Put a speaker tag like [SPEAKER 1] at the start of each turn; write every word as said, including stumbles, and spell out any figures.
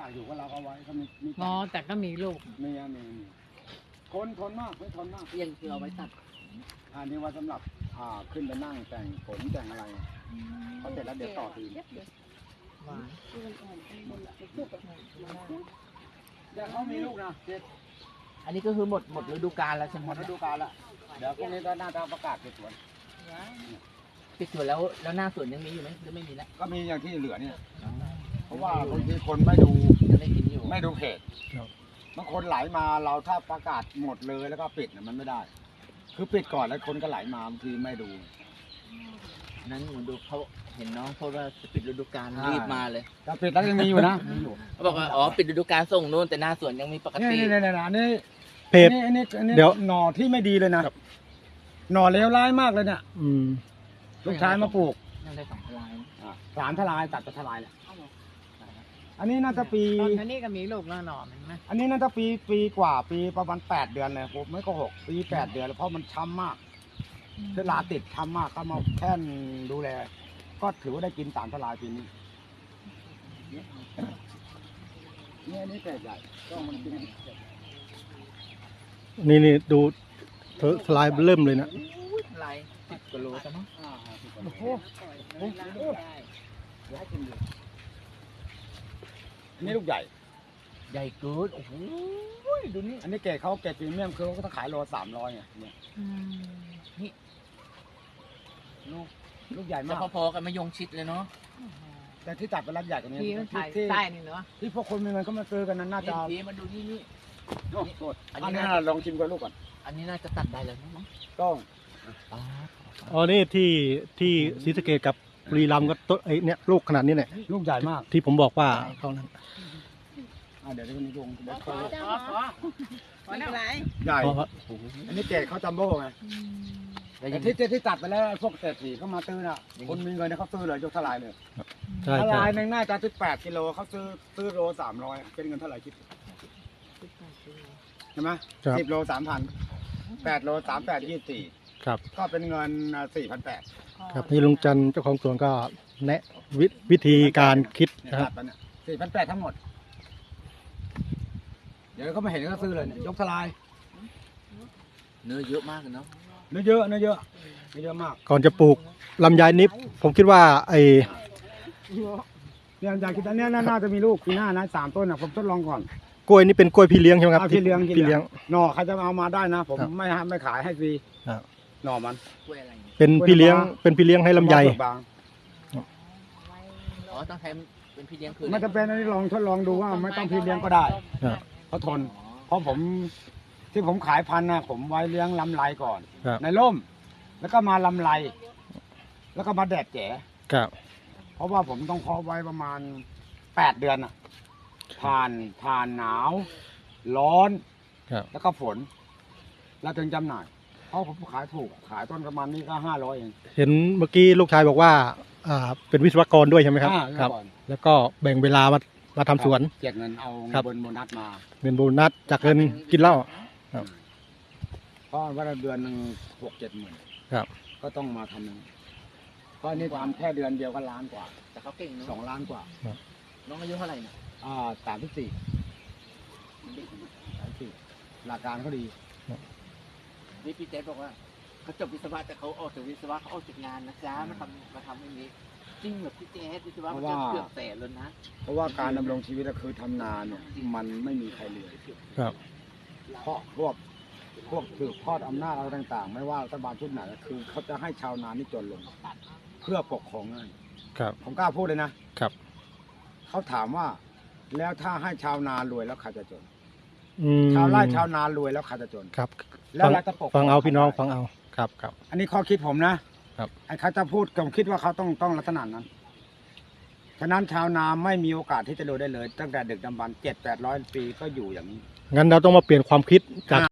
[SPEAKER 1] ากอยู่ก็เราเอาไว้ก็มีมี
[SPEAKER 2] งอแต่ก็มีลูก
[SPEAKER 1] มีอะมีมีทนทนมากไม่ทนมาก
[SPEAKER 3] ยังคือเอาไว้ตัด
[SPEAKER 1] อันนี้ว่าสำหรับอ่าขึ้นไปนั่งแต่งผมแต่งอะไรพอเสร็จแล้วเดี๋ยวต่อทีม
[SPEAKER 2] หวาน
[SPEAKER 1] เดี๋ยวเขามีลูกนะเจ็ด
[SPEAKER 3] อันนี้ก็คือหมดหมดฤดูกาลแล้วใช่ไหม
[SPEAKER 1] หมดฤดูกาลละเดี๋ยวพรุ่งนี้ก็น่าจะประกาศปิดสวน
[SPEAKER 3] ปิดสวนแล้วแล้วหน้าสวนยังมีอยู่ไหมหรือไม่มีแล้ว
[SPEAKER 1] ก็มีอย่างที่เหลือเนี่ยเพราะว่าบางทีคนไม่ดู
[SPEAKER 3] ยังได้กินอยู่
[SPEAKER 1] ไม่ดูเพจบางคนไหลมาเราถ้าประกาศหมดเลยแล้วก็ปิดน่ะมันไม่ได้ คือปิดก่อนแล้วคนก็ไหลมาบางทีไม่ดู
[SPEAKER 3] นั้นหนูดูเขาเห็นน้องเขาว่าจะปิดฤดูกาล
[SPEAKER 1] อ่า
[SPEAKER 3] รีบมาเลย
[SPEAKER 1] แต่ปิดแล้วยังมีอยู่นะมีอยู่
[SPEAKER 3] เขาบอกว่าอ๋อปิดฤดูกาลส่งนู่นแต่หน้าสวนยังมีปก
[SPEAKER 1] นี่
[SPEAKER 3] ติ
[SPEAKER 1] นี่นี่นี่อันนี้
[SPEAKER 4] เพจ
[SPEAKER 1] อันนี้อันนี้
[SPEAKER 4] เดี๋ยว
[SPEAKER 1] หน่อที่ไม่ดีเลยนะหน่อเลวร้ายมากเลยเนี่ย
[SPEAKER 4] อืม
[SPEAKER 1] ลูกชายมาปลูก
[SPEAKER 3] ยังได้สองทลาย
[SPEAKER 1] อ่าสามทลายตัดจะทลายแหละอันนี้น่าจะปี
[SPEAKER 2] ตอนนี้ก็มีลูกแล้วหน่อมันไหม
[SPEAKER 1] อันนี้น่าจะปีปีกว่าปีประมาณแปดเดือนเลยผมไม่โกหกปีแปดเดือนแล้วเพราะมันช้ำมากเวลาติดช้ำมากก็มาแค่นดูแลก็ถือว่าได้กินสามทลายปีนี้เนี่ยอันนี้แปดใหญ่ก็มันกิน
[SPEAKER 4] นี่นี่ดูเธอสไลด์เริ่มเลยนะ
[SPEAKER 3] ทลายสิบกิโลใช่ไหม
[SPEAKER 1] อ่าสิบกว่า
[SPEAKER 2] โอ้โห
[SPEAKER 1] โอ้โหเดี๋ยวให้กินดูอันนี้ลูกใหญ่
[SPEAKER 3] ใหญ่เกินโอ้โหดูนี่
[SPEAKER 1] อันนี้เกรดเขาเกรดพรีเมียมคือเขาก็ต้องขายโลสามร้อยไงเนี่ย
[SPEAKER 3] นี่ลูก
[SPEAKER 1] ลูกใหญ่
[SPEAKER 3] จะ
[SPEAKER 1] มาก
[SPEAKER 3] พอๆกันมายงชิดเลยเนาะ
[SPEAKER 1] แต่ที่ตัดเป็นรักใหญ่กว่านี้
[SPEAKER 2] ทีมันถ่าย
[SPEAKER 1] ที่
[SPEAKER 2] ใต้นี่เนาะ
[SPEAKER 1] ที่พวกคนมีเงินก็มาซื้อกันนั้นน่าจะ
[SPEAKER 3] นี่มาดูนี่นี่
[SPEAKER 1] โอ้โห
[SPEAKER 3] อั
[SPEAKER 1] อั
[SPEAKER 3] น
[SPEAKER 1] น
[SPEAKER 3] นี้
[SPEAKER 1] นี้
[SPEAKER 3] น่า
[SPEAKER 1] ลองชิมกันลูกก่อน
[SPEAKER 3] อันนี้น่าจะตัดได้แล้วมั้ง
[SPEAKER 1] ต้อง
[SPEAKER 3] อ๋อ
[SPEAKER 4] อ๋อนี่ที่ที่ศรีสะเกษกับบุรีรัมย์ก็ต้นไอ้เนี่ยลูกขนาดนี้เนี่ย
[SPEAKER 1] ลูกใหญ่มาก
[SPEAKER 4] ที่ผมบอกว่าเขานั้น
[SPEAKER 1] อ่าเดี๋ยวเดี๋ยวนี้ลงเดี๋ยวเขา
[SPEAKER 2] อ๋ออ๋อไม่เป็นไร
[SPEAKER 1] ใหญ่
[SPEAKER 4] เพราะว่า
[SPEAKER 1] อันนี้เกรดเขาจัมโบ้ไง
[SPEAKER 3] แล้ว
[SPEAKER 1] แต่
[SPEAKER 3] ยัง
[SPEAKER 1] ที่ที่ที่ตัดไปแล้วพวกเศรษฐีเขามาซื้อน่ะคนมีเงินเนี่ยเขาซื้อเลยยกทลายเลย
[SPEAKER 4] ใช่
[SPEAKER 1] ท
[SPEAKER 4] ใช่
[SPEAKER 1] ลายหนึ่งน่าจะสิบแปดกิโลเขาซื้อซื้อโลสามร้อยเป็นเงินเท่าไหร่คิดใช่ไหม
[SPEAKER 4] ครับ
[SPEAKER 1] สิบโลสามพันแปดโลสามแปดยี่สิบสี่
[SPEAKER 4] ครับ
[SPEAKER 1] ก็เป็นเงินสี่พันแปด
[SPEAKER 4] ครับนี่ลุงจันทร์เจ้าของสวนก็แนะวิวิธีการคิด
[SPEAKER 1] เนี่ย
[SPEAKER 4] นะค
[SPEAKER 1] ตั
[SPEAKER 4] รับ
[SPEAKER 1] ดไปเนี่ยสี่พันแปดทั้งหมด เดี๋ยวเขาไม่เห็นก็ซื้อเลยเนี่ยยกทลาย
[SPEAKER 3] เนื้อเยอะมากเลยเนาะ
[SPEAKER 1] เนื้อเยอะเนื้อเยอะเนื้อเยอะมาก
[SPEAKER 4] ก่อนจะปลูกลำไยนิบผมคิดว่าไอ้
[SPEAKER 1] เนี่ยอยากคิดอันเนี้ยน่าน่าจะมีลูกปีหน้านะสามต้นนะผมทดลองก่อน
[SPEAKER 4] กล้วยนี่เป็นกล้วยพี่เลี้ยงใช่ไหมครับ
[SPEAKER 1] เอาพี่เลี้ยง
[SPEAKER 4] พี่เลี้ยง
[SPEAKER 1] หน่อใครจะเอามาได้นะ ผม
[SPEAKER 4] ครับ
[SPEAKER 1] ไม่ให้ไม่ขายให้ฟรี
[SPEAKER 4] ครับ
[SPEAKER 1] หน่อมัน
[SPEAKER 3] กล้วยอะไรเนี่ย
[SPEAKER 4] เป็นพี่เลี้ยงเป็นพี่เลี้ยงให้ลำไย
[SPEAKER 1] เปลือกบาง
[SPEAKER 3] อ๋อต้องใช้เป็นพี่เลี้ยงคือ
[SPEAKER 1] ไม่จะเป็นอันนี้ลองทดลองดูว่าไม่ต้องพี่เลี้ยงก็ได้
[SPEAKER 4] ครับ
[SPEAKER 1] เขาทน
[SPEAKER 3] อ๋อ
[SPEAKER 1] เพราะผมที่ผมขายพันธุ์นะผมไว้เลี้ยงลำไรก่อน
[SPEAKER 4] ครับ
[SPEAKER 1] ในร่ม แล้วก็มาลำไร แล้วก็มาแดดแจ๋
[SPEAKER 4] ครับ
[SPEAKER 1] เพราะว่าผมต้องเพาะไว้ประมาณแปดเดือนอ่ะ ผ่านผ่านหนาว ร้อน
[SPEAKER 4] ครับ
[SPEAKER 1] แล้วก็ฝน แล้วถึงจำหน่าย เพราะผมขายถูก ขายต้นประมาณนี้ก็ห้าร้อยเอง
[SPEAKER 4] เห็นเมื่อกี้ลูกชายบอกว่าอ่าเป็นวิศวกรด้วยใช่ไหมครับ
[SPEAKER 1] อ่า
[SPEAKER 4] ครับ
[SPEAKER 1] ก่อน
[SPEAKER 4] แล้วก็แบ่งเวลามามาทำสวน
[SPEAKER 1] เก็บเงินเอา
[SPEAKER 4] ครับ
[SPEAKER 1] เงินโบนัสมา
[SPEAKER 4] เงินโบนัสจากเงินกินเหล้า ครับ
[SPEAKER 1] เพราะว่าเดือนหนึ่งหกเจ็ดหมื่น
[SPEAKER 4] ครับ
[SPEAKER 1] ก็ต้องมาทำหนึ่งเพราะนี่ทำแค่เดือนเดียวก็ล้านกว่า
[SPEAKER 3] แต่เขาเก่งเนาะ
[SPEAKER 1] สองล้านกว่า
[SPEAKER 3] น้องอายุเท่าไหร่เนี่ย
[SPEAKER 1] อ่าสามที่สี่สามสี่หลักการเขาดี
[SPEAKER 3] นี่พี่เจ๊บอกว่าเขาจบวิศวะแต่เขาออกจากวิศวะเขาออกจากงานนะจ๊ะมาทำมาทำอย่างนี้จริงเหรอพี่เจ๊วิศวะมันจะเกือบแสนแล้วนะ
[SPEAKER 1] เพราะว่าการดำรงชีวิตก็คือทำนาเนี่ยมันไม่มีใครเลย
[SPEAKER 4] ครับ
[SPEAKER 1] เพราะพวกพวกสืบทอดอำนาจอะไรต่าง ๆ ไม่ว่ารัฐบาลชุดไหนคือเขาจะให้ชาวนานี่จนลง เพื่อปกครองง่าย
[SPEAKER 4] ครับ
[SPEAKER 1] ผมกล้าพูดเลยนะครับ เขาถามว่า แล้วถ้าให้ชาวนารวยแล้วใครจะจน
[SPEAKER 4] อืม
[SPEAKER 1] ชาวไร่ชาวนารวยแล้วใครจะจน
[SPEAKER 4] ครับ
[SPEAKER 1] แล้ว
[SPEAKER 4] ฟัง
[SPEAKER 1] เราจะปกคร
[SPEAKER 4] ฟังเอาพี่น้อง
[SPEAKER 1] ใครได้
[SPEAKER 4] ฟังเอาครับครับ
[SPEAKER 1] อันนี้ข้อคิดผมนะครับ ไอ้เขาจะพูดผมคิดว่าเขาต้องต้องลักษณะนั้น ฉะนั้นชาวนาไม่มีโอกาสที่จะรวยได้เลย ตั้งแต่ดึกดำบรรพ์เจ็ดแปดร้อยปีก็อยู่อย่างนี้
[SPEAKER 4] งั้นเราต้องมาเปลี่ยนความคิดจาก